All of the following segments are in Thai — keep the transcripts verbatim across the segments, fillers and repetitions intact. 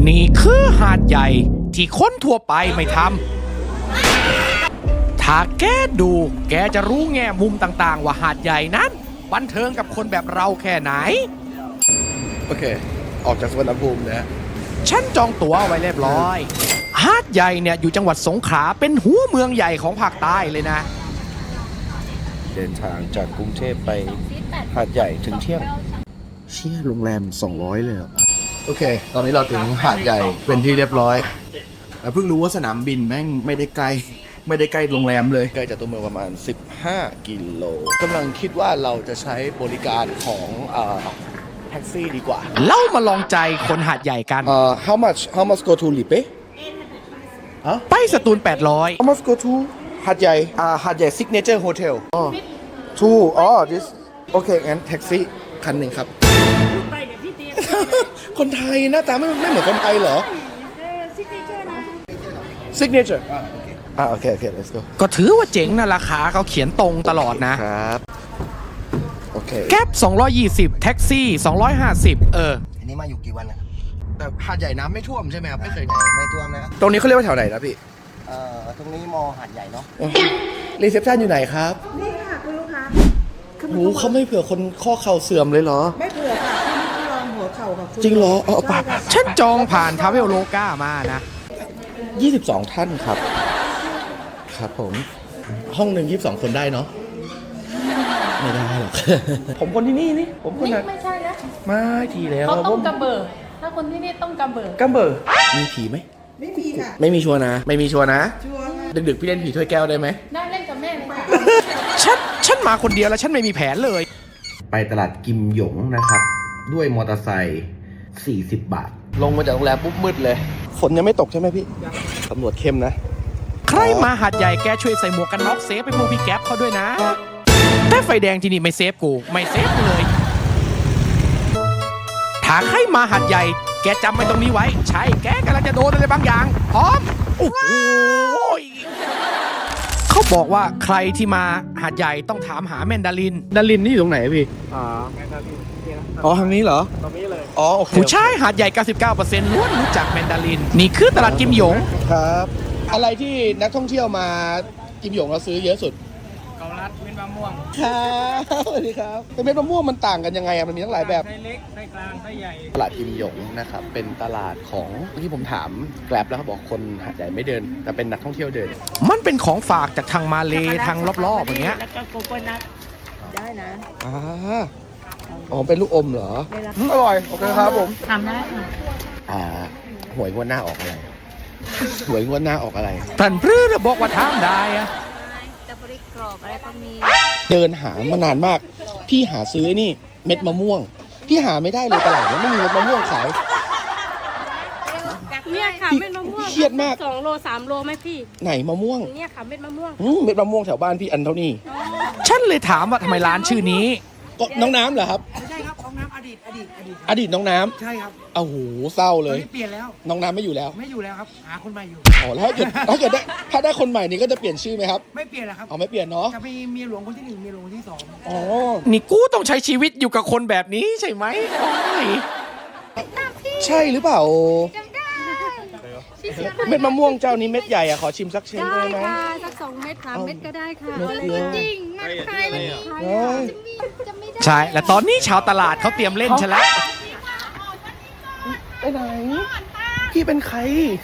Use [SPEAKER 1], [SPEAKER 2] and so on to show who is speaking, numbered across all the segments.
[SPEAKER 1] นี่คือหาดใหญ่ที่คนทั่วไปไม่ทำถ้าแกดูแกจะรู้แง่มุมต่างๆว่าหาดใหญ่นั้นบันเทิงกับคนแบบเราแค่ไหน
[SPEAKER 2] โอเคออกจากสวนภูมินะ
[SPEAKER 1] ฉันจองตั๋วไว้เรียบร้อยหาดใหญ่เนี่ยอยู่จังหวัดสงขลาเป็นหัวเมืองใหญ่ของภาคใต้เลยนะ
[SPEAKER 2] เดินทางจากกรุงเทพไปหาดใหญ่ถึงเที่ยงเชี่ยโรงแรมสองร้อยเลยเหรอโอเคตอนนี้เราถึงหาดใหญ่เป็นที่เรียบร้อยแต่เพิ่งรู้ว่าสนามบินแม่งไม่ได้ไกลไม่ได้ใกล้โรงแรมเลยใกล้จากตัวเมืองประมาณสิบห้ากิโลกำลังคิดว่าเราจะใช้บริการของเอ่อแท็กซี่ดีกว่า
[SPEAKER 1] เล่ามาลองใจคนหาดใหญ่กัน
[SPEAKER 2] เอ่อ how much how much go to Lipe
[SPEAKER 1] ฮะไปสตูลแปดร้อย
[SPEAKER 2] how much go to หาดใหญ่อ่าหาดใหญ่ signature hotel อ๋อ two อ๋อ this โอเคงั้นแท็กซี่คันหนึ่งครับคนไทยหน้าตาไม่ไม่เหมือนคนไทยเหรอ signature อ่าโอเคโอเค let's go
[SPEAKER 1] ก็ถือว่าเจ๋งนะราคาเขาเขียนตรงตลอดนะครับ
[SPEAKER 2] โอเค
[SPEAKER 1] แก๊ปสองร้อยยี่สิบแท็กซี่สองร้อยห้าสิบเออ
[SPEAKER 3] อันนี้มาอยู่กี่วันนะ
[SPEAKER 2] แต่หาดใหญ่น้ำไม่ท่วมใช่ไหมครับไม่เคย
[SPEAKER 3] ไม่ท่วมนะ
[SPEAKER 2] ตรงนี้เขาเรียกว่าแถวไหนนะพี่
[SPEAKER 3] เอ่อตรงนี้มอหาดใหญ่เนาะ
[SPEAKER 2] รีเซพชันอยู่ไหนครับ
[SPEAKER 4] นี่ค่ะคุณลูกค้า
[SPEAKER 2] โอ้เขาไม่เผื่อคนข้อเข่าเสื่อมเลยเหรอ
[SPEAKER 4] ไม่เผื่อค่ะที่นี่ลองหัวเข่าค่ะ
[SPEAKER 2] จริงเหรอเอาปะ
[SPEAKER 1] ฉันจองผ่านทาเวลโลก้ามานะ
[SPEAKER 2] ยี่สิบสองท่านครับครับผมห้องหนึ่งยี่สิบสองคนได้เนาะไม่ได้หรอกผมคนที่นี่นี่ผมคนนั้น
[SPEAKER 5] ไม่ใช่นะ
[SPEAKER 2] ไม่ทีแล้ว
[SPEAKER 5] เขาต้องกระเบิดถ้าคนที่นี่ต้องกระเบิด
[SPEAKER 2] กระเบิดมีผีไหม
[SPEAKER 4] ไม่มีค่ะ
[SPEAKER 2] ไม่มีชัวร์นะไม่มีชัวร์นะ
[SPEAKER 4] ชัวร์ค่ะ
[SPEAKER 2] ดึกๆพี่เล่นผีถ้วยแก้วได้ไหม
[SPEAKER 5] ได้เล่นกับแม่เลยค่ะ
[SPEAKER 1] ฉันฉันมาคนเดียวแล้วฉันไม่มีแผนเลย
[SPEAKER 2] ไปตลาดกิมหยงนะครับด้วยมอเตอร์ไซค์สี่สิบบาทลงมาจากโรงแรมปุ๊บมืดเลยฝนยังไม่ตกใช่ไหมพี่ตำรวจเข้มนะ
[SPEAKER 1] ใครมาหาดใหญ่แกช่วยใส่หมวกกันน็อกเซฟไปพวกพี่แก๊ปเขาด้วยนะแต่ไฟแดงที่นี่ไม่เซฟกูไม่เซฟกูเลยถ้าใครมาหาดใหญ่แกจำไว้ตรงนี้ไว้ใช่แกกำลังจะโดนอะไรบางอย่างพร้อมโอ้โหเขาบอกว่าใครที่มาหาดใหญ่ต้องถามหาแมนดาริน
[SPEAKER 2] ดารินนี่อยู่ตรงไหนพี่
[SPEAKER 6] อ่าแมนดาริน
[SPEAKER 2] อ๋อทางนี้เหรอ
[SPEAKER 6] ตรงนี้เลย
[SPEAKER 2] อ๋อโอเค
[SPEAKER 1] ผู้ชายหาดใหญ่ เก้าสิบเก้าเปอร์เซ็นต์ ล้วนรู้จักแมนดารินนี่คือตลาดกิมหยง
[SPEAKER 2] ครับอะไรที่นักท่องเที่ยวมากิมหยงเราซื้อเยอะสุด
[SPEAKER 6] เกาลัดเม็ดมะม่วง
[SPEAKER 2] ครับสวัสดีครับเป็นเม็ดมะม่วงมันต่างกันยังไงอะมันมีทั้งหลายแบบ
[SPEAKER 6] ไส้เล็กไส้กลางไส้ใหญ่
[SPEAKER 2] ตลาดกิมหยงนะครับเป็นตลาดของที่ผมถามแกร็บแล้วเขาบอกคนหาดใหญ่ไม่เดินแต่เป็นนักท่องเที่ยวเดิน
[SPEAKER 1] มันเป็นของฝากจากทางมาเลทางรอบๆอย่างเงี้ย
[SPEAKER 4] แล้วก็โกโก้นัทได้นะ
[SPEAKER 2] อ่าอ๋อเป็นลูกอมเหรออร่อยโอเคครับผม
[SPEAKER 5] ทำได้ค่ะ
[SPEAKER 2] อ่าหวยงวดหน้าออกอะไรหวยงวดหน้าออกอะไร
[SPEAKER 1] ท่านพรื้อบอกว่าทำได้อะ
[SPEAKER 4] จะบริกรอบอะไรก็มี
[SPEAKER 2] เดินหามานานมากพี่หาซื้อนี่เม็ดมะม่วงพี่หาไม่ได้เลยตลาดนี้ไม่มีเม็ดมะม่วงขาย
[SPEAKER 5] เนี่ยค่ะเม็ดมะม่วง
[SPEAKER 2] เครียดมาก
[SPEAKER 5] สองโลสามโลไหมพี่
[SPEAKER 2] ไหนมะม่วง
[SPEAKER 5] เนี่ยค่ะเม็ดมะม่วง
[SPEAKER 2] เม็ดมะม่วงแถวบ้านพี่อันเท่านี้
[SPEAKER 1] ฉันเลยถามว่าทำไมร้านชื่อนี้
[SPEAKER 2] ก็น้องน้ำเหรอครับ
[SPEAKER 6] ไม่ใช่ครับน้องน้ำอดีตอดีตอดีต
[SPEAKER 2] อดีตน้องน้ำ
[SPEAKER 6] ใช่ครับ
[SPEAKER 2] โอ้โหเศร้าเลย
[SPEAKER 6] เปลี่ยนแล้ว
[SPEAKER 2] น้องน้ำไม่อยู่แล้ว
[SPEAKER 6] ไม่อยู่แล้วครับหาคนใหม่อยู่
[SPEAKER 2] อ๋อแล้วถ้าเกิดถ้าเกิดได้ถ้าได้คนใหม่นี่ก็จะเปลี่ยนชื่อไหมครับ
[SPEAKER 6] ไม่เปลี่ยนแล้วครับ
[SPEAKER 2] อ๋อไม่เปลี่ยนเนาะ
[SPEAKER 6] จะมีเมียหลวงคนที่หนึ่งเมียหลวงคนที่สอง
[SPEAKER 2] อ๋อ
[SPEAKER 1] นี่กูต้องใช้ชีวิตอยู่กับคนแบบนี้ใช่ไหมโอ้ย
[SPEAKER 2] ใช่หรือเปล่าเม็ดมะม่วงเจ้านี้เม็ดใหญ่อะขอชิมสักเชนได้ไหม
[SPEAKER 5] ได้ค่ะสักสองเม็ดสามเม็ดก็ได้ค่ะ
[SPEAKER 4] จริงนักใครวันนี้
[SPEAKER 1] จะไม่ได้ใช่และตอนนี้ชาวตลาดเขาเตรียมเล่นฉันแล้ว
[SPEAKER 2] ไปไหนพี่เป็นใคร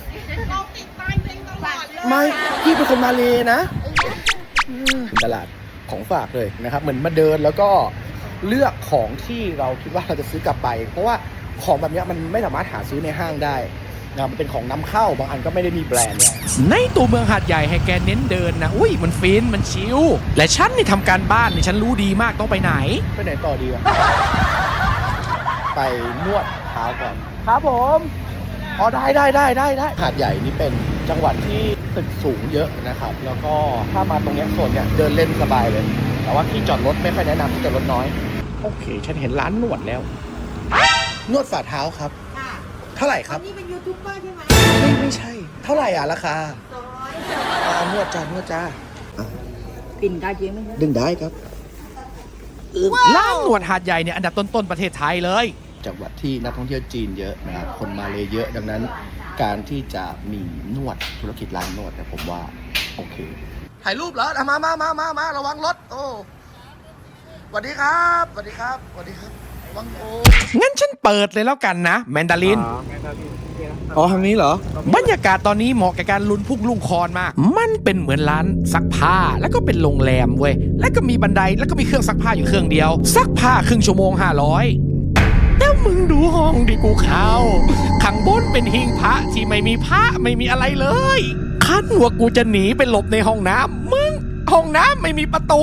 [SPEAKER 2] ไม่พี่เป็นคนมาเลนะตลาดของฝากเลยนะครับเหมือนมาเดินแล้วก็เลือกของที่เราคิดว่าเราจะซื้อกลับไปเพราะว่าของแบบนี้มันไม่สามารถหาซื้อในห้างได้นะมันเป็นของนำเข้าบางอันก็ไม่ได้มีแบรนด์เนี่ย
[SPEAKER 1] ในตัวเมืองหาดใหญ่ให้แกเน้นเดินนะอุ้ยมันฟินมันชิลและฉันนี่ทำการบ้านนี่ฉันรู้ดีมากต้องไปไหน
[SPEAKER 2] ไปไหนต่อดีวะไปนวดเท้าก่อนครับผมอ๋อได้ได้ได้ได้ได้หาดใหญ่นี่เป็นจังหวัดที่ตึกสูงเยอะนะครับแล้วก็ถ้ามาตรงนี้โซนเนี่ยเดินเล่นสบายเลยแต่ว่าที่จอดรถไม่ค่อยแนะนำที่จอดรถน้อยโอเคฉันเห็นร้านนวดแล้วนวดฝ่าเท้าครับเท่าไหร่ครับ
[SPEAKER 4] นี่เป็นยูทูบเบอร์ใช่ไหม
[SPEAKER 2] ไม่ไม่ใช่เท่าไหร่อ่ะราคาอ่านวดจ้านวดจ้า
[SPEAKER 4] กินได้จริงไหม
[SPEAKER 2] ดึงได้ครับ
[SPEAKER 1] ร้านนวดหาดใหญ่เนี่ยอันดับต้นๆประเทศไทยเลย
[SPEAKER 2] จังหวัดที่นักท่องเที่ยวจีนเยอะนะครับคนมาเลยเยอะดังนั้นการที่จะมีนวดธุรกิจร้านนวดเนี่ยผมว่าโอเคถ่ายรูปเหรอมามามามามาระวังรถโอ้สวัสดีครับสวัสดีครับสวัสดีครับระวังโอ้
[SPEAKER 1] งั้นฉันเปิดเลยแล้วกันนะแมนดาริน
[SPEAKER 2] อ๋อทางนี้เหรอ
[SPEAKER 1] บรรยากาศตอนนี้เหมาะกับการลุ้นพุ่งลุงคอนมาก มันเป็นเหมือนร้านซักผ้า แล้วก็เป็นโรงแรมเว้ย แล้วก็มีบันได แล้วก็มีเครื่องซักผ้าอยู่เครื่องเดียว ซักผ้าครึ่งชั่วโมงห้าร้อยแล้วมึงดูห้องดิกูเข้า ข้างบนเป็นหิ้งพระที่ไม่มีพระไม่มีอะไรเลยคันว่ากูจะหนีไปหลบในห้องน้ำมึงห้องน้ำไม่มีประตู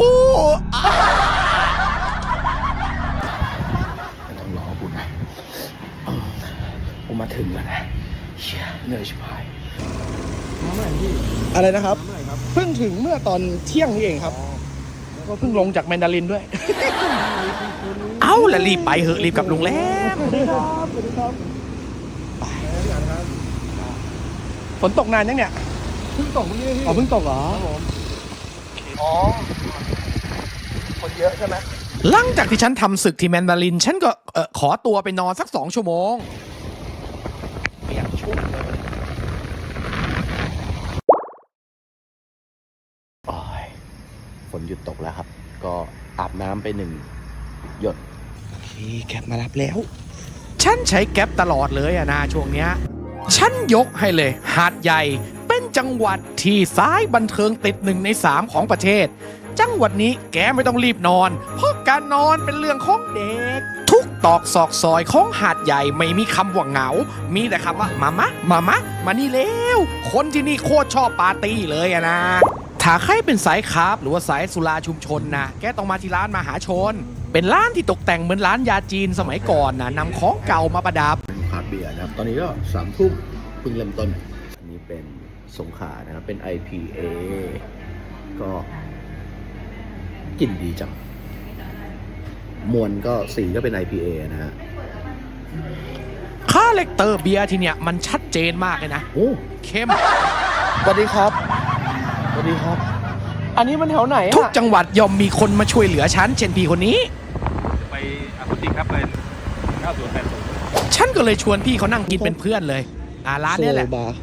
[SPEAKER 2] ไม่ต้องรอกูนะเออผมมาถึงแล้วนะเชี่ยเหนื่อยชิบหายอะไรนะครับ เพิ่งถึงเมื่อตอนเที่ยงนี่เองครับ
[SPEAKER 1] ก็เพิ่งลงจากแมนดารินด้วย เอาละรีบไปเหอะรีบกลับโรงแรมฝนตกนานยังเนี่ย
[SPEAKER 2] เพิ่งตกเมื่อกี้
[SPEAKER 1] อ๋อเพิ่งตกเหรอ
[SPEAKER 2] อ๋อ คนเยอะใช่ไหม
[SPEAKER 1] หลังจากที่ฉันทำศึกที่แมนดาริน ฉันก็เออขอตัวไปนอนสักสองชั่วโมงเปียกชุ่มเลย
[SPEAKER 2] โอ้ยฝนหยุดตกแล้วครับ ก็อาบน้ำไปหนึ่งหยดโอเคแคปมารับแล้ว
[SPEAKER 1] ฉันใช้แก๊ปตลอดเลยอะนะช่วงเนี้ย ฉันยกให้เลย หาดใหญ่เป็นจังหวัดที่ซ้ายบันเทิงติดหนึ่งในสามของประเทศ จังหวัดนี้แกไม่ต้องรีบนอน เพราะการนอนเป็นเรื่องของเด็ก ทุกตอกซอกซอยของหาดใหญ่ไม่มีคำว่าเหงา มีแต่คำว่ามามะมามะมานี่เร็วคนที่นี่โคตรชอบปาร์ตี้เลยอะนะ ถ้าใครเป็นสายคาร์บหรือว่าสายสุราชุมชนนะแกต้องมาที่ร้านมหาชน เป็นร้านที่ตกแต่งเหมือนร้านยาจีนสมัยก่อนนะนำของเก่ามาประดับ
[SPEAKER 2] เป็นคราฟต์เบียร์นะครับ ตอนนี้ก็สามทุ่มเพิ่งเริ่มต้น อันนี้เป็นสงขลานะครับ เป็น ไอ พี เอ ก็กลิ่นดีจัง มวลก็สีก็เป็น ไอ พี เอ นะฮะ
[SPEAKER 1] คาแรคเตอร์เบียร์ที่เนี่ยมันชัดเจนมากเลยนะ
[SPEAKER 2] โอ้
[SPEAKER 1] เข้ม
[SPEAKER 2] สวัสดีครับ สวัสดีครับ อันนี้มันแถวไหน
[SPEAKER 1] ทุก
[SPEAKER 2] อะ
[SPEAKER 1] จังหวัดย่อมมีคนมาช่วยเหลือฉันเช่นพี่คนนี้
[SPEAKER 6] ไปอาคุติครับไปเก้าศูนย์แปดศูนย์
[SPEAKER 1] ฉันก็เลยชวนพี่เขานั่งกินเป็นเพื่อนเลย อ่าร้านเนี้ยแหละ
[SPEAKER 2] โซบาร์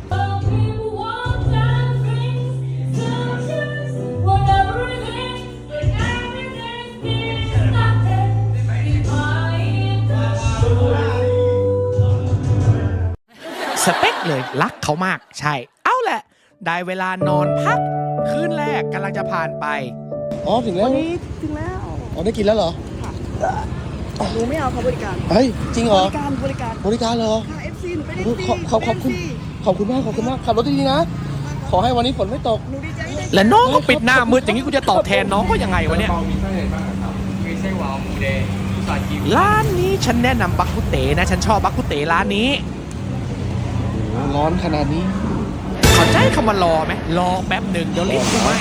[SPEAKER 1] สเปคเลยรักเขามากใช่ เอาแหละ ได้เวลานอนพัก คืนแรกกำลังจะผ่านไป
[SPEAKER 2] อ๋อ ถึงแล้ว
[SPEAKER 4] วันนี้ถึงแล้ว
[SPEAKER 2] อ๋อ ได้กินแล้วเหรอ
[SPEAKER 4] หนูไม่เอาเขาบริการ
[SPEAKER 2] เฮ้ย จริงเหร
[SPEAKER 4] บ
[SPEAKER 2] อ
[SPEAKER 4] ริการบริการ
[SPEAKER 2] บริการเหรอ
[SPEAKER 4] ค่ะ เอฟ ซี หนูเป็น
[SPEAKER 2] โอ้
[SPEAKER 4] เอฟ
[SPEAKER 2] โห
[SPEAKER 4] ซี
[SPEAKER 2] ขอบขอบขอบคุณ ขอบคุณมาก ขอบคุณมาก ขับรถดีๆนะ ขอให้วันนี้ฝนไม่ตก
[SPEAKER 4] หนูดีใจที่ได้
[SPEAKER 1] และน้องก็ปิดหน้ามืดอย่างนี้กูจะตอบแทนน้องก็ยังไงวะเนี่ย
[SPEAKER 6] มีไส้อะไรบ้างครับมีไส้หวานหมูแดงมีซาจิว
[SPEAKER 1] ร้านนี้ฉันแนะนำบักกุเตนะ ฉันชอบบักกุเตร้านนี้
[SPEAKER 2] โอ้โหร้อนขนาดนี้
[SPEAKER 1] เข้าใจคำว่ารอไหมรอแป๊บหนึ่งเดี๋ยวรีบกูไม่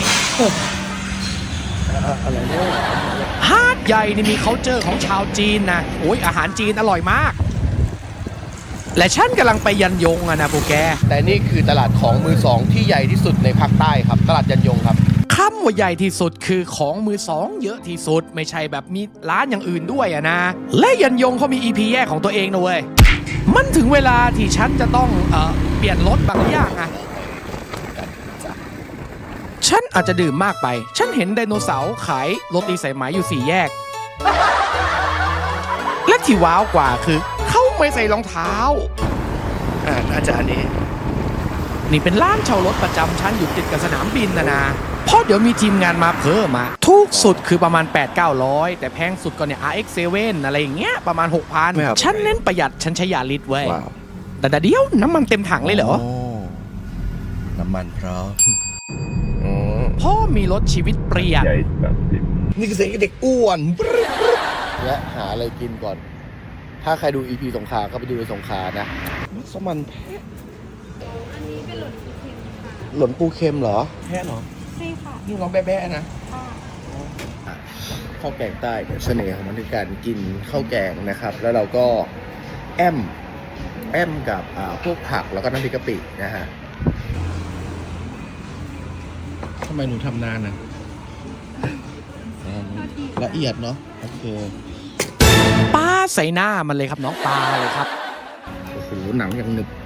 [SPEAKER 2] อะไรเนี่ย
[SPEAKER 1] หาดใหญ่นี่มี culture ของชาวจีนนะโอ้ยอาหารจีนอร่อยมาก และฉันกำลังไปยันยงอะนะพวกแก
[SPEAKER 2] แต่นี่คือตลาดของมือสองที่ใหญ่ที่สุดในภาคใต้ครับ ตลาดยันยงครับ
[SPEAKER 1] คำว่าใหญ่ที่สุดคือของมือสองเยอะที่สุดไม่ใช่แบบมีร้านอย่างอื่นด้วยอะนะ และยันยงเขามี อี พี แยกของตัวเองนะเว้ย มันถึงเวลาที่ฉันจะต้องเอ่อเปลี่ยนรถบางอย่างอะฉันอาจจะดื่มมากไป ฉันเห็นไดโนเสาร์ขายโรตีสายไหมอยู่สี่แยก และที่ว้าวกว่าคือเขาไม่ใส่รองเท้า
[SPEAKER 2] อ่าน่าจะอันนี้
[SPEAKER 1] นี่เป็นร้านเช่ารถประจำชั้นอยู่ติดกับสนามบินนะนะเพราะเดี๋ยวมีทีมงานมาเพิ่มมาถูกสุดคือประมาณ แปดถึงเก้าร้อย แต่แพงสุดก็เนี่ย อาร์ เอ็กซ์ เซเว่น อะไรอย่างเงี้ยประมาณ หกพัน
[SPEAKER 2] ไม่ครับ
[SPEAKER 1] ฉันเน้นประหยัดฉันใช้ยาลิตรเว้ย
[SPEAKER 2] ว้าว
[SPEAKER 1] แต่แต่เดียวน้ำมันเต็มถังเลยเหรอ
[SPEAKER 2] น้ำมันพร้อมอืม
[SPEAKER 1] พ่อมีรถชีวิตเปลี่ยน
[SPEAKER 2] นี่คือเสียงเด็กอ้วนและหาอะไรกินก่อน ถ้าใครดู อี พี สงขลาก็ไปดูในสงขลานะมัสมันแพะ
[SPEAKER 5] อันนี้เป็นหล่นสีเค็มค่ะ
[SPEAKER 2] หล่นปูเค็มเหรอ แพะเหรอ
[SPEAKER 5] ใช่ค่ะ
[SPEAKER 2] นี่ร้องแบ๊ะๆนะ
[SPEAKER 5] ค่ะ
[SPEAKER 2] ข้าวแกงใต้เนี่ยเสน่ห์ของมันคือการกินข้าวแกงนะครับ แล้วเราก็แอมแอมกับอ่าพวกผักแล้วก็น้ำพริกกะปินะฮะทำไมหนูทำนานอ่ะละเอียดเนาะโอเค
[SPEAKER 1] ปลาดใส่หน้ามันเลยครับน้องปลาเลยครับโอ้โหหนังยังหนึบ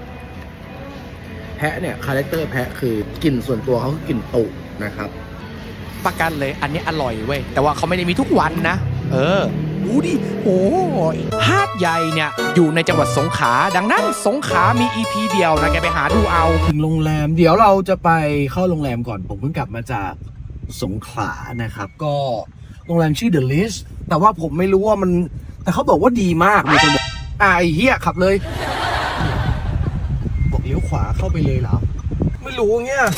[SPEAKER 1] แพะเนี่ยคาแรคเตอร์แพะคือกลิ่นส่วนตัวเขาคือกลิ่นตุนะครับประกันเลยอันนี้อร่อยเว้ยแต่ว่าเขาไม่ได้มีทุกวันนะเออดูดิโอ้ยหาดใหญ่เนี่ยอยู่ในจังหวัดสงขลาดังนั้นสงขลามี อี พี เดียวนะแกไปหาดูเอาถึงโรงแรมเดี๋ยวเราจะไปเข้าโรงแรมก่อนผมเพิ่งกลับมาจากสงขลานะครับก็โรงแรมชื่อ The List แต่ว่าผมไม่รู้ว่ามันแต่เขาบอกว่าดีมากมีคนบอกอ่าไอ้เหี้ยขับเลยบอกเลี้ยวขวาเข้าไปเลยเหรอไม่รู้เงี้ย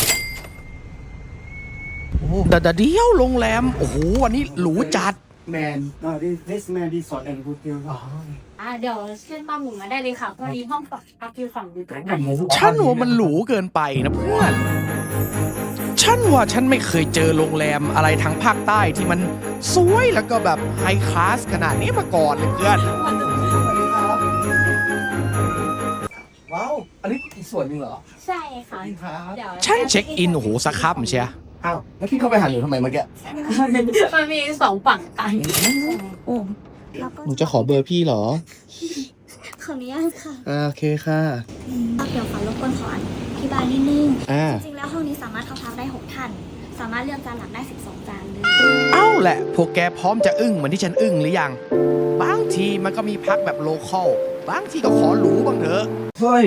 [SPEAKER 1] โอ้แต่เดี๋ยวโรงแรมโอ้โหวันนี้หรูจัด
[SPEAKER 2] Man
[SPEAKER 7] No, this this man resort and hotel.
[SPEAKER 5] อ่าเดี๋ยวขึ้นมาหมุนมาได้เลยค่ะพอดีห้องพักอยู่ฝั่งนี้ตรงนั้น
[SPEAKER 1] ฉันว่ามันหรูเกินไปนะเพื่อนฉันว่าฉันไม่เคยเจอโรงแรมอะไรทางภาคใต้ที่มันสวยแล้วก็แบบไฮคลาสขนาดนี้มาก่อนเลยเพื่อน
[SPEAKER 2] ว้าวอันนี้อีกส่วนหนึ่งเหรอ
[SPEAKER 5] ใช่ค่ะเดี๋ยว
[SPEAKER 1] ฉันเช็คอินโอ้โหสักคับเชีย
[SPEAKER 2] อ้าวแล้วพี่เข้าไปหันอยู่ทำไมเมื่อกี้
[SPEAKER 5] มันมีสองฝั่งกัน
[SPEAKER 4] แล้วก็
[SPEAKER 2] หนูจะขอเบอร์พี่เหรอ
[SPEAKER 4] ขออนุญาตค่ะ
[SPEAKER 2] อ่าโอเคค่ะ
[SPEAKER 4] เดี๋ยวขอรบกวนขออธิบายนิดนึง
[SPEAKER 2] อ่า
[SPEAKER 4] จริงๆแล้วห้องนี้สามารถเข้าพักได้หกท่าน สามารถเลือกจานหลักได้สิบสองจานเลย
[SPEAKER 1] เอ้าแหละพวกแกพร้อมจะอึ้งเหมือนที่ฉันอึ้งหรือยังบางทีมันก็มีพักแบบโลคอลบางทีก็ขอหรูบ้างเถอะ
[SPEAKER 2] เฮ้ย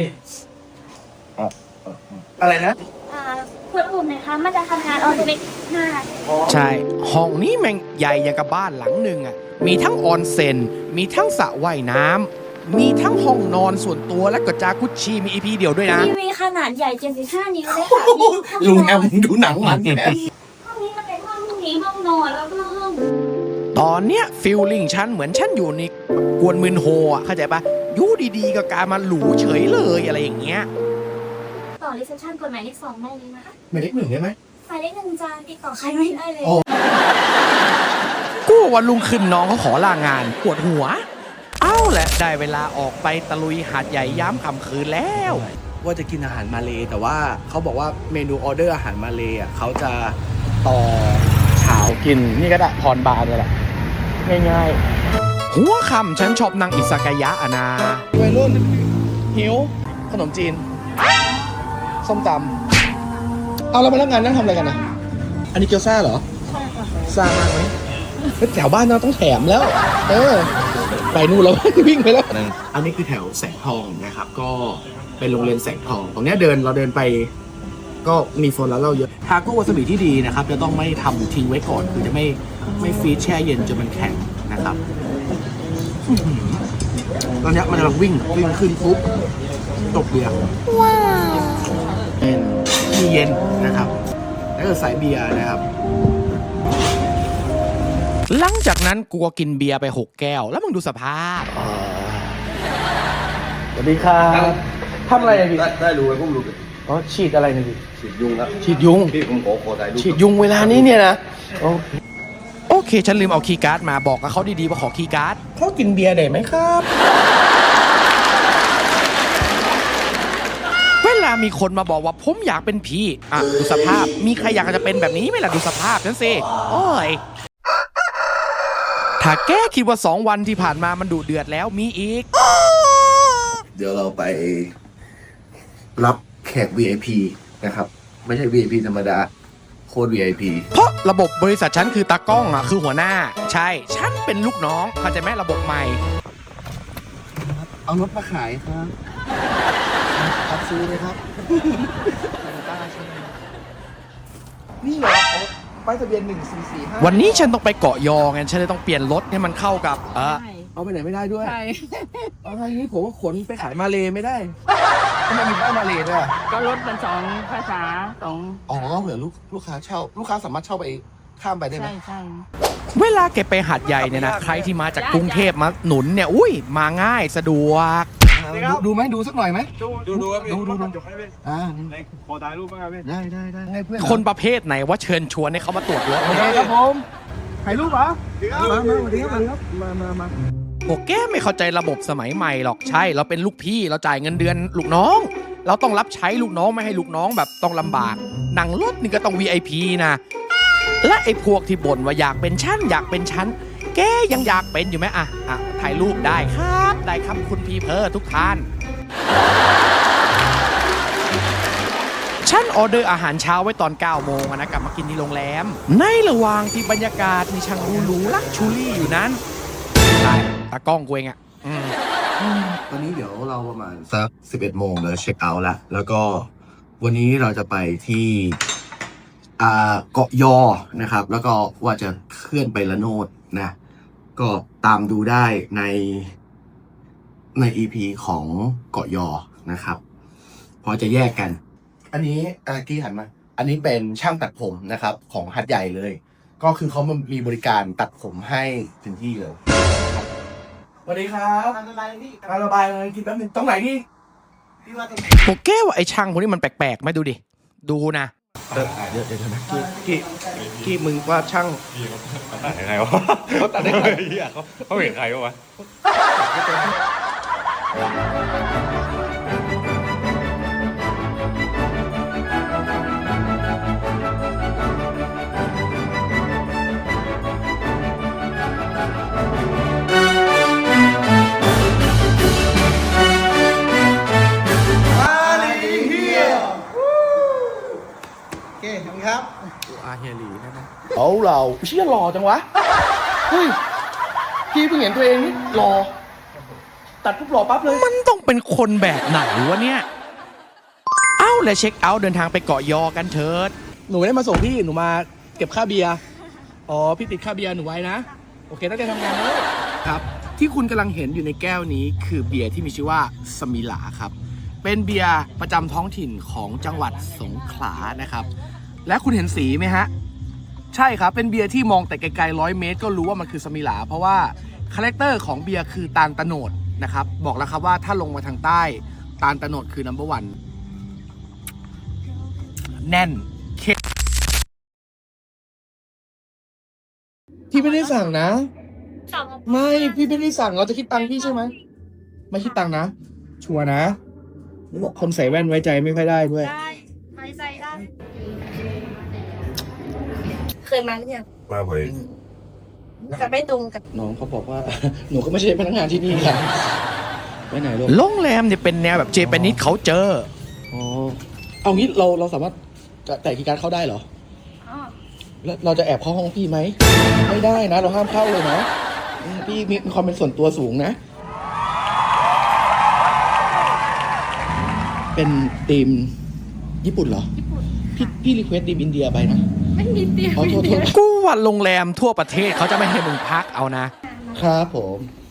[SPEAKER 2] อะไรนะ
[SPEAKER 4] อ่าคุณอุ่นนะคะมันจะทำงานออโตเมติกหน้า
[SPEAKER 1] ใช่ห้องนี้แม่งใหญ่อย่างกับบ้านหลังหนึ่งอ่ะมีทั้งออนเซ็นมีทั้งสระว่ายน้ำมีทั้งห้องนอนส่วนตัวและก็จากุชชีมี อี พี เดียวด้วยนะ
[SPEAKER 4] ทีวีขนาดใหญ่เจ็ดสิบห้านิ้วเลยค่ะ
[SPEAKER 2] ลุงแอมดูหนังมันแก
[SPEAKER 4] ห้องนี้มันเป็นห้องนี้ห้องนอนแล้วก็ห้อง
[SPEAKER 1] ตอนเนี้ยฟีลลิ่งฉันเหมือนฉันอยู่ในกวนมืนโฮอ่ะเข้าใจปะอยู่ดีๆก็กลายมาหรูเฉยเลยอะไรอย่างเงี้ย
[SPEAKER 4] ต่อรีเซพชันกฎหมายเลขสองได้เลยนะคะ
[SPEAKER 2] หมายเลขหนึ่งได้ไหม
[SPEAKER 4] หมายเลขหนึ่งจานติดต่อใครไม่ได้เลย
[SPEAKER 2] โอ้
[SPEAKER 1] กูวันลุงขึ้นน้องเขาขอลางานปวดหัว เอ้าแหละได้เวลาออกไปตะลุยหาดใหญ่ย้ำค่ำคืนแล้ว ว่าจะกินอาหารมาเลแต่ว่าเขาบอกว่าเมนูออเดอร์อาหารมาเลอ่ะเขาจะต่อเช้ากินนี่ก็ได้พรบาร์เลยแหละง่ายๆหัวค่ำฉันชอบนางอิสากายะอะนะวัยรุ่นหิวขนมจีนส้มตำเอาแล้วพนักงานนั่งทำอะไรกันนะอันนี้เกี๊ยวซ่าเหรอใช่ค่ะซ่ามากไหมแถวบ้านเราต้องแถมแล้ว เออ ไปนู่นแล้ว วิ่งไปแล้วอันนี้คือแถวแสงทองนะครับ ก็เป็นโรงเรียนแสงทอง ตรงเนี้ยเดินเราเดินไป ก็มีโซนร้านเหล้าเยอะทาโก้วาซาบิที่ดีนะครับ จะต้องไม่ทำทิ้งไว้ก่อน คือจะไม่ไม่ฟรีซแช่เย็นจนมันแข็งนะครับอื้อหือตอนเนี้ยมันกำลังวิ่งวิ่งขึ้นปุ๊บตกเบียร์ว้าวเป็นที่เย็นนะครับ แล้วก็สายเบียร์นะครับ หลังจากนั้นกูก็กินเบียร์ไปหกแก้ว แล้วมึงดูสภาพสวัสดีครับทำอะไรพี่
[SPEAKER 3] ได้ได้รู้ไหมผมรู้
[SPEAKER 1] อ๋อฉีดอะไรนะพี่
[SPEAKER 3] ฉีดยุงครับ
[SPEAKER 1] ฉีดยุง
[SPEAKER 3] พี่ผมขอขอถ่ายรูป
[SPEAKER 1] ฉีดยุงเวลานี้เนี่ยนะโอเคโอเค ฉันลืมเอาคีย์การ์ดมาบอกกับเขาดีๆว่าขอคีย์การ์ดเขากินเบียร์ได้ไหมครับ เวลามีคนมาบอกว่าผมอยากเป็นผีอ่ะดูสภาพมีใครอยากจะเป็นแบบนี้ไหมล่ะดูสภาพฉันสิโอ้ยถ้าแกคิดว่าสองวันที่ผ่านมามันดุเดือดแล้วมีอีก
[SPEAKER 2] เดี๋ยวเราไปรับแขก วี ไอ พี นะครับ ไม่ใช่ วี ไอ พี ธรรมดา โคตร วี ไอ พี
[SPEAKER 1] เพราะระบบบริษัทฉันคือตากล้องอ่ะคือหัวหน้า ใช่ ฉันเป็นลูกน้องเข้าใจไหมระบบใหม่
[SPEAKER 2] เอารถมาขายครับรับซื้อเลยครับ นี่เหรอป้ายทะเบียนหนึ่งสี่สี่ห้า
[SPEAKER 1] วันนี้ฉันต้องไปเกาะยอไงฉันเลยต้องเปลี่ยนรถให้มันเข้ากับเออ
[SPEAKER 2] เอาไปไหนไม่ได้ด้วย
[SPEAKER 5] ใช่
[SPEAKER 2] เอาไงนี้ผมว่าขนไปขายมาเลไม่ได้ทำไมมีป้ายมาเลด้วยอะ
[SPEAKER 5] ก็ลดเป็นสองภาษาสอง
[SPEAKER 2] อ๋อเผื่อลูกลูกค้าเช่า ลูกค้าสามารถเช่าไปข้ามไปได้ไหม
[SPEAKER 5] ใช่ใช่
[SPEAKER 1] เวลาแกไปหาดใหญ่เนี่ยนะใครที่มาจากกรุงเทพมาหนุนเนี่ยอุ้ยมาง่ายสะดวก
[SPEAKER 2] ดูดูไหมดูสักหน่อยไหม
[SPEAKER 6] ดูดูดูครับพี่
[SPEAKER 2] ดูดูดู
[SPEAKER 6] จบให้พี่
[SPEAKER 2] อ่า
[SPEAKER 6] ไหนขอถ่ายรูปบ้างครับพี่
[SPEAKER 2] ได้ได้ได้ให้เพื่อน
[SPEAKER 1] คนประเภทไหนว่าเชิญชวนให้เขามาตรวจรถ
[SPEAKER 2] โอเคครับผมถ่ายรูปเหรอมามาสวัสดีครับมามามา
[SPEAKER 1] พวกแกไม่เข้าใจระบบสมัยใหม่หรอกใช่ เราเป็นลูกพี่เราจ่ายเงินเดือนลูกน้อง เราต้องรับใช้ลูกน้องไม่ให้ลูกน้องแบบต้องลำบากหนังรถนี่ก็ต้อง วี ไอ พี นะและไอ้พวกที่บ่นว่าอยากเป็นชั้นอยากเป็นชั้นแกยังอยากเป็นอยู่ไหมอ่ะอ่ะถ่ายรูปได้ครับ ได้ครับคุณพีเพอร์ทุกท่าน ฉันออเดอร์อาหารเช้าไว้ตอนเก้าโมงนะกลับมากินที่โรงแรม ในระหว่างที่บรรยากาศมีช่างหรูๆลักชูรี่อยู่นั้นใช่ตากล้องกูเองอ่ะอืม
[SPEAKER 2] ตอนนี้เดี๋ยวเราประมาณสักสิบเอ็ดโมงเราเช็คเอาท์แล้วแล้วก็วันนี้เราจะไปที่อ่าเกาะยอนะครับ แล้วก็ว่าจะเคลื่อนไปละโนดนะ ก็ตามดูได้ในใน อี พี ของเกาะยอนะครับเพอจะแยกกัน อันนี้อากี้หันมา อันนี้เป็นช่างตัดผมนะครับของหัดใหญ่เลย ก็คือเขามีบริการตัดผมให้ถึงที่เลยสวัสดีครับ
[SPEAKER 3] ทำอะไรพี่
[SPEAKER 2] มาระบายเลยกินแป๊บนึงตรงไหนนี่
[SPEAKER 3] พี่ว่าตรงไหน
[SPEAKER 1] โอเคว่าไอ้ช่างพวกนี้มันแปลกๆไหม่ดูดิ ดูนะ
[SPEAKER 2] เดี๋ยวเดี๋ยวเดี๋ยวนะกี้กี้กี้มึงว่าช่าง
[SPEAKER 6] ตัดยังไงวะ
[SPEAKER 2] เขาตัดได้ไง
[SPEAKER 6] เหี้ยเขาเขาเห็นใครวะ
[SPEAKER 3] โอเคขอบคุณครับ
[SPEAKER 2] อาเฮียลีใช่ไหมเอาเราเชี่ยหล่อจังวะ เฮ้ยพี่เพิ่งเห็นตัวเองนี่หล่อตัดปุ๊บหล่อปั๊บเลย
[SPEAKER 1] มันต้องเป็นคนแบบไหนวะเนี่ย เอ้าและเช็คเอาท์เดินทางไปเกาะยอกันเถิด
[SPEAKER 2] หนูไม่ได้มาส่งพี่หนูมาเก็บค่าเบียร์อ๋อพี่ติดค่าเบียร์หนูไว้นะโอเคตั้งใจทำงานแล้วครับ ที่คุณกำลังเห็นอยู่ในแก้วนี้คือเบียร์ที่มีชื่อว่าสมิลาครับ เป็นเบียร์ประจำท้องถิ่นของจังหวัดสงขลานะครับ และคุณเห็นสีไหมฮะ ใช่ครับ เป็นเบียร์ที่มองแต่ไกลๆร้อยเมตรก็รู้ว่ามันคือสมิลาเพราะว่าคาแรคเตอร์ของเบียร์คือตาลตะโนดนะครับ บอกแล้วครับว่าถ้าลงมาทางใต้ตาลตะโนดคือ นัมเบอร์วัน แน่นเค็มพี่ไม่ได้สั่งนะ ไม่พี่ไม่ได้สั่งเราจะคิดตังค์พี่ใช่ไหมไม่คิดตังค์นะ ชัวร์นะคนใส่แว่นไว้ใจไม่ค่อยได้ด้วย
[SPEAKER 5] ได้ไว้ใจได้ เคยมาหรือยัง
[SPEAKER 6] มาบ่อย
[SPEAKER 5] จะไม่ตรงกับ
[SPEAKER 2] น้องเขาบอกว่า หนูก็ไม่ใช่พนักงานที่นี่ค่ะไปไหนลูก
[SPEAKER 1] โรงแรมเนี่ยเป็นแนวแบบเจแปนิสเขาเจอ
[SPEAKER 2] อ๋อเอางี้เราเราสามารถแต่กีย์การ์ดเข้าได้เหรอ
[SPEAKER 5] อ๋อ
[SPEAKER 2] แล้วเราจะแอบเข้าห้องพี่ไหมไม่ได้นะ เราห้ามเข้าเลยนะอืมพี่มีความเป็นส่วนตัวสูงนะ เป็นทีมญี่ปุ่นเหรอ
[SPEAKER 5] ญี่ปุ่น
[SPEAKER 2] พี่พี่รีเควสทีมอินเดียไปนะ
[SPEAKER 5] ไม่มีเตียง
[SPEAKER 2] ขอโทษโทษ
[SPEAKER 1] กูว่าโรงแรมทั่วประเทศเขาจะไม่ให้มึงพักเอานะ
[SPEAKER 2] ครับผม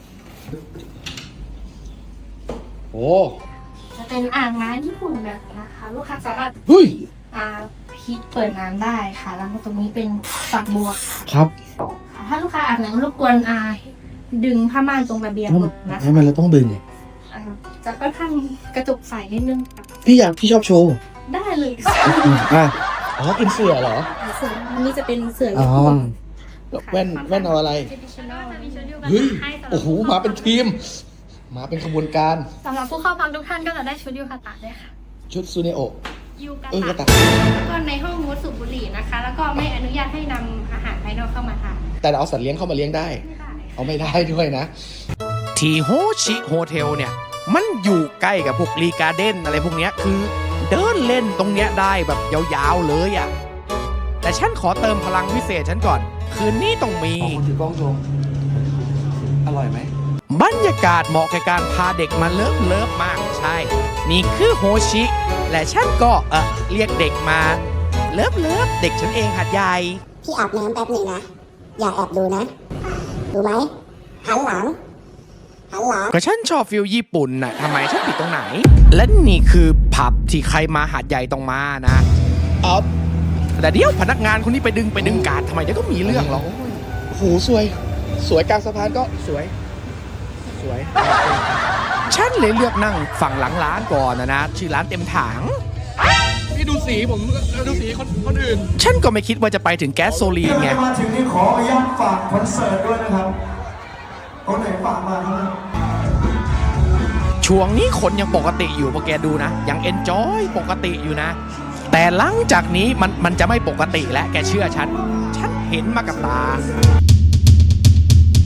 [SPEAKER 2] โอ้
[SPEAKER 5] จะเป็นอ่างน้ำญี่ปุ่นแบบนะคะ ลูกค้าสามารถ
[SPEAKER 2] เฮ้ย
[SPEAKER 5] อ่าพลิกเปิดน้ำได้ค่ะ แล้วก็ตรงนี้เป็นฝักบัวค่ะ
[SPEAKER 2] ครับ
[SPEAKER 5] ถ้าลูกค้าอาบน้ำรบกวนอ่าดึงผ้าม่านตรงระเบียงลงนะคะ
[SPEAKER 2] ทำไมเราต้องดึง
[SPEAKER 5] อ่าจะค่อนข้างกระจุกใสนิดนึงค่ะ
[SPEAKER 2] พี่อยากพี่ชอบโชว์
[SPEAKER 5] ได้เลยค่ะ
[SPEAKER 2] อ่ะอ๋อเป็นเสือเหรอ
[SPEAKER 5] เสืออันนี้จะเป็นเสือ
[SPEAKER 2] อ๋
[SPEAKER 5] ญี่
[SPEAKER 2] อ
[SPEAKER 5] ปุ่น
[SPEAKER 2] แว่นแว่นเอาอะไร เฮ้ย โอ้โห มาเป็นทีม มาเป็นขบวนการ
[SPEAKER 5] สำหรับผู้เข้าพักทุกท่านก็จะได้ชุดยูคาตะด้วยค่ะ
[SPEAKER 2] ชุดซูเนโอะ
[SPEAKER 5] ยูกา
[SPEAKER 2] เออกระ
[SPEAKER 5] ตะ
[SPEAKER 2] ตะ
[SPEAKER 5] แล้วก็ในห้องงดสูบบุหรี่นะคะ แล้วก็ไม่อนุญาตให้นำอาหารภายนอกเข้ามาทาน
[SPEAKER 2] แต่เราเอาสัตว์เลี้ยงเข้ามาเลี้ยงได้
[SPEAKER 5] ไม่ได้
[SPEAKER 2] เอาไม่ได้ด้วยนะ
[SPEAKER 1] ที่โฮชิโฮเทลเนี่ย มันอยู่ใกล้กับพวกรีการ์เด้นอะไรพวกเนี้ยคือเดินเล่นตรงเนี้ยได้แบบยาวๆเลยอะ่ะ แต่ฉันขอเติมพลังพิเศษฉันก่อน คืนนี้ต้องมี
[SPEAKER 2] ขอบคุณถือกล้องชม อร่อยไหม
[SPEAKER 1] บรรยากาศเหมาะกับการพาเด็กมาเลิฟเลิฟมากใช่ นี่คือโฮชิ และฉันก็เออเรียกเด็กมาเลิฟเลิฟเด็กฉันเองหัดใหญ่
[SPEAKER 8] พี่อาบน้ำแป๊บหนึ่งนะ อย่าแอบดูนะ ดูไหมหันหลัง หันหลัง
[SPEAKER 1] ก็ฉันชอบฟิลญี่ปุ่นน่ะทำไมฉันผิดตรงไหน และนี่คือผับที่ใครมาหาดใหญ่ต้องมานะ
[SPEAKER 2] เอา
[SPEAKER 1] แต่เดี๋ยวพนักงานคนนี้ไปดึงไปดึงการดทำไมเดี๋ยวก็มีเรื่องหรอก
[SPEAKER 2] โอ้โหสวย สวยกลางสะพานก็สวย สวย
[SPEAKER 1] ฉันเลยเลือกนั่งฝั่งหลังร้านก่อนนะนะชื่อร้านเต็มถัง
[SPEAKER 2] พี่ดูสีผมดูสีคนคนอื่น
[SPEAKER 1] ฉันก็ไม่คิดว่าจะไปถึงแก๊สโซลีนไง
[SPEAKER 7] มาถึงนี่ขออนุญาตฝากคอนเสิร์ตด้วยนะครับคนไหนฝากมาครับ
[SPEAKER 1] ช่วงนี้คนยังปกติอยู่พอแกดูนะ ยังเอนจอยปกติอยู่นะ แต่หลังจากนี้มันมันจะไม่ปกติแล้วแกเชื่อฉัน ฉันเห็นมากับตา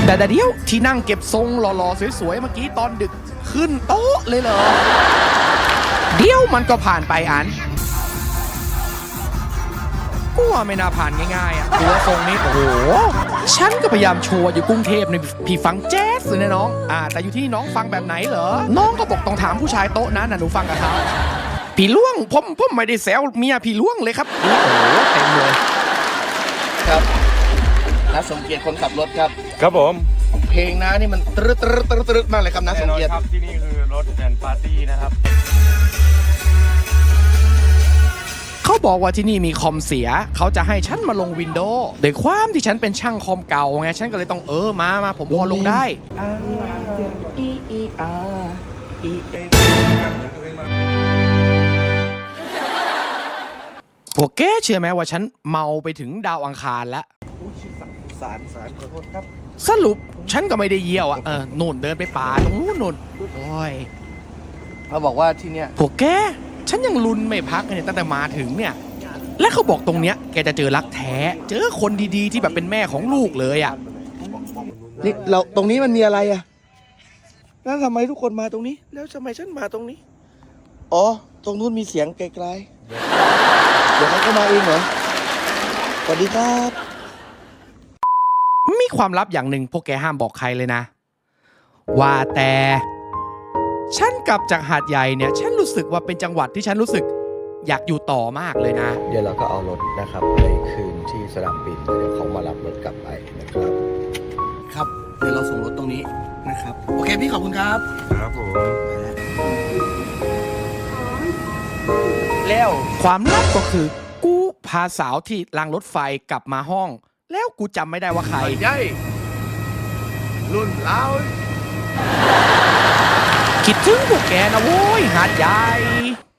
[SPEAKER 1] แต่เดี๋ยวที่นั่งเก็บทรงหล่อๆสวยๆเมื่อกี้ตอนดึกขึ้นโต๊ะเลยเหรอเดี๋ยวมันก็ผ่านไปอันกูว่าไม่น่าผ่านง่ายๆอ่ะตัวทรงนี้โอ้โหฉันก็พยายามโชว์อยู่กรุงเทพในพี่ฟังแจ๊สเลยนะน้องอ่าแต่อยู่ที่น้องฟังแบบไหนเหรอน้องก็บอกต้องถามผู้ชายโต๊ะนั้นนะหนูฟังกับเขาพี่ล่วงผมผมไม่ได้แซวเมียพี่ล่วงเลยครับโอ้โหเต็มเลย
[SPEAKER 2] ครับน้าสมเกียรติคนขับรถครับ
[SPEAKER 6] ครับผม
[SPEAKER 2] เพลงน้านี่มันตรึดตรึดตรึดตรึดมากเลยครับน้าส
[SPEAKER 6] แน่
[SPEAKER 2] ม
[SPEAKER 6] นอน
[SPEAKER 2] เกียรติ
[SPEAKER 6] ครับที่นี่คือรถแอนปาร์ตี้นะครับ
[SPEAKER 1] เขาบอกว่าที่นี่มีคอมเสียเขาจะให้ฉันมาลงวินโดว์โดยความที่ฉันเป็นช่างคอมเก่าไงฉันก็เลยต้องเออมามาผมพอลงได้พวกแกเชื่อไหมว่าฉันเมาไปถึงดาวอังคารแล้ว
[SPEAKER 2] สารสารขอโทษครับ
[SPEAKER 1] สรุปฉันก็ไม่ได้เยี่ยวอ่ะเออนู่นเดินไปป่าตรงนู้นนู่นโอ้ย
[SPEAKER 2] เขาบอกว่าที่เนี้ย
[SPEAKER 1] พวกแกฉันยังลุ้นไม่พักเลยเนี่ยตั้งแต่มาถึงเนี่ยและเขาบอกตรงเนี้ยแกจะเจอรักแท้เจอคนดีๆที่แบบเป็นแม่ของลูกเลยอ่ะ
[SPEAKER 2] นี่เราตรงนี้มันมีอะไรอ่ะแล้วทำไมทุกคนมาตรงนี้ แล้วทำไมฉันมาตรงนี้ อ๋อ ตรงนู้นมีเสียงไกลๆเดี๋ยวเขาก็มาเองเหรอ สวัสดีครับ
[SPEAKER 1] มีความลับอย่างหนึ่งพวกแกห้ามบอกใครเลยนะ ว่าแต่ฉันกลับจากหาดใหญ่เนี่ยฉันรู้สึกว่าเป็นจังหวัดที่ฉันรู้สึกอยากอยู่ต่อมากเลยนะ
[SPEAKER 2] เดี๋ยวเราก็เอารถนะครับไปคืนที่สนามบินเดี๋ยวเขามารับรถกลับไปนะครับ ครับ เดี๋ยวเราส่งรถตรงนี้นะครับ โอเคพี่ขอบคุณครับ
[SPEAKER 6] ครับผม
[SPEAKER 2] แล้ว
[SPEAKER 1] ความลับก็คือ กูพาสาวที่รางรถไฟกลับมาห้อง แล้วกูจำไม่ได้ว่าใคร
[SPEAKER 2] ใหญ่รุ่นเรา
[SPEAKER 1] คิดถึงพวกแกนะโว้ยหาดใหญ่